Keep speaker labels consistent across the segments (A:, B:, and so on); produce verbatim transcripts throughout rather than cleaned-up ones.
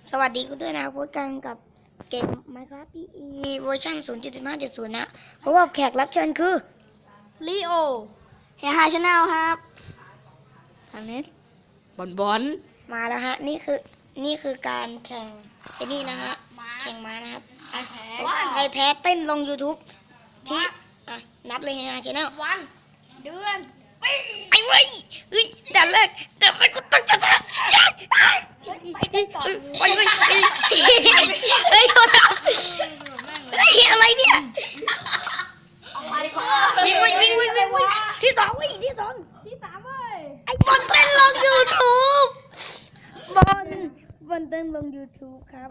A: สวัสดีคุณด้วยนะพบกันกับเกม Minecraft พี อี เวอร์ชัน ศูนย์จุดสิบห้าจุดศูนย์ นะเพราะว่าแขกรับเชิญคือ
B: ลีโอเฮฮาชาแนลครับทางนี้บอลบอล
A: มาแล้วฮะนี่คือนี่คือการแข่งไอ้นี่นะฮะแข่งม้านะครับใครแพ้เต้นลง YouTube ที่อ่ะนับเลยเฮฮาชาแนล
B: วันเดือน
A: ไอ้เว้ยเฮ้ยด่านแรกด่านแรกกูต้องชนะไปไปไปเฮ้ยเฮ้ยอะไรเนี่ยวิ่งวิ่งวิ่งวิ่งวิ่งที่สองวิ่งที่สอง
B: ที่สามเว้ย
A: ไอ้บอลเต้นลง YouTube บอลบอลเต้นลง YouTube ครับ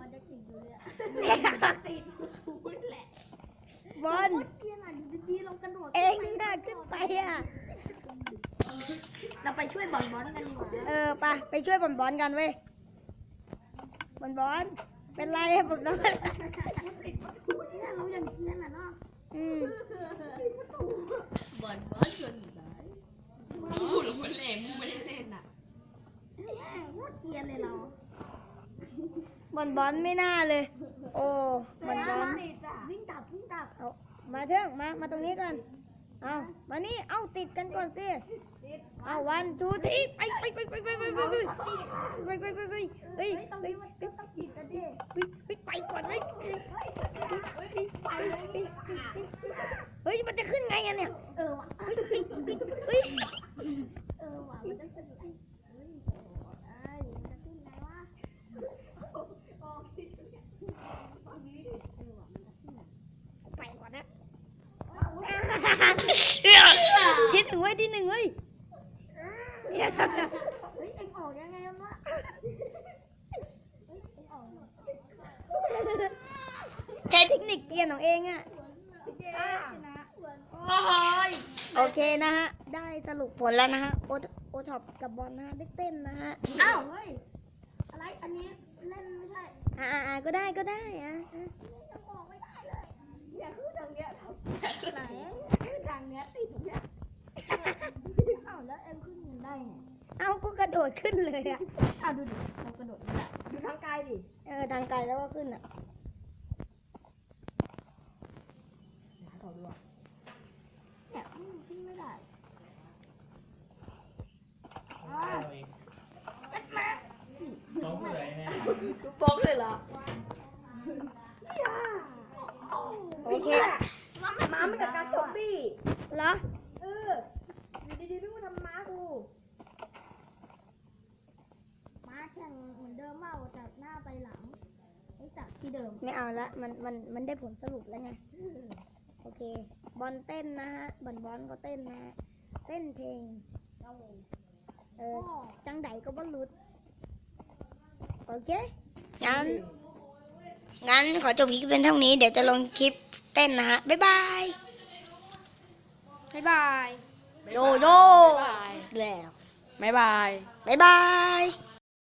A: บอลเองน่าขึ้นไปอ่ะ
B: เราไปช่วยบอลบอลกันดีกว่า
A: เออไปไปช่วยบอลบอลกันเว้ยบอลบอลเป็นไรบอลบอล
B: เราอย่างนี้แหละเนาะ
A: อืม
B: บอลบอลชวนอยู่ไหนพูดหรือมันเล่นไม่ได้เล่นอ่ะโคตรเกลียดเลยเรา
A: บอลบอลไม่น่าเลยโอ้บอลบอล
B: วิ่งตับวิ่งตับ
A: เอามาเถอะมามาตรงนี้กันเอามานี่เอาติดกันก่อนสิเอาวันทูทีไปไปไปไปไปไปไปไปไปไปไปไปเฮ้ย
B: ตรงนี้มันต้องติดกันดิ
A: ไปไปก่อนเฮ้ยเฮ้ยมันจะขึ้นไงอ่ะเนี่ย
B: เออว่ะ
A: เฮ้ยเฮ้ย
B: เออว่ะมันจะขึ้นไงเฮ้ยไอ้มันจะขึ้นไงวะ
A: ไปก่อนนะที่หนึ่งเว้ยที่หนึ่งเว้ย
B: เฮ้ยเอ็งออกยังไงวะเฮ้ยเอ็งออก
A: ใช้เทคนิคเกียร์ของเองอ่ะโอเคนะฮะได้สรุปผลแล้วนะฮะโอโอท็อปกับบอลนะฮะได้เต้นนะฮะ
B: อ้าวเฮ้ยอะไรอันนี้เล่นไม่ใช่
A: อ่าอ่าก็ได้ก็ได้อ่ะ
B: จะบอกไม่ได้เลยอย่าขึ้นทางเนี้ยไหนขึ้นทางเนี้ยติดตรงเนี้ยอ้าวแล้วเอ็มขึ้นได้ไง
A: เอ้าก็กระโดดขึ้นเลยอ่ะ
B: อ้าวดูดิเรากระโดดนี่แหละดูทางไกลดิ
A: เออทางไกลแล้วก็ขึ้นอ่ะ
B: ขอดูอ่ะเนี่ยขึ้นไม่ได้
C: น้องเลยนะ
B: ดูโป๊กเลยเหรอ
A: โอเค
B: ม้ามันกับการโจมบี้
A: เหรอ
B: เอออยู่ดีๆพี่มาทำม้ากูม้าแข่งเหมือนเดิมว่าจากหน้าไปหลังไอ้จากที่เดิม
A: ไม่เอาละมันมันมันได้ผลสรุปแล้วไงโอเคบอลเต้นนะฮะบอลบอลก็เต้นนะฮะเต้นเพลงเออจังไดก็บอลลุดโอเคงั้นงั้นขอจบคลิปเป็นเท่านี้เดี๋ยวจะลงคลิปเต้นนะฮะบ๊ายบาย
B: บ๊ายบาย
A: โดโดแล้ว
B: บ๊ายบาย
A: บ๊ายบาย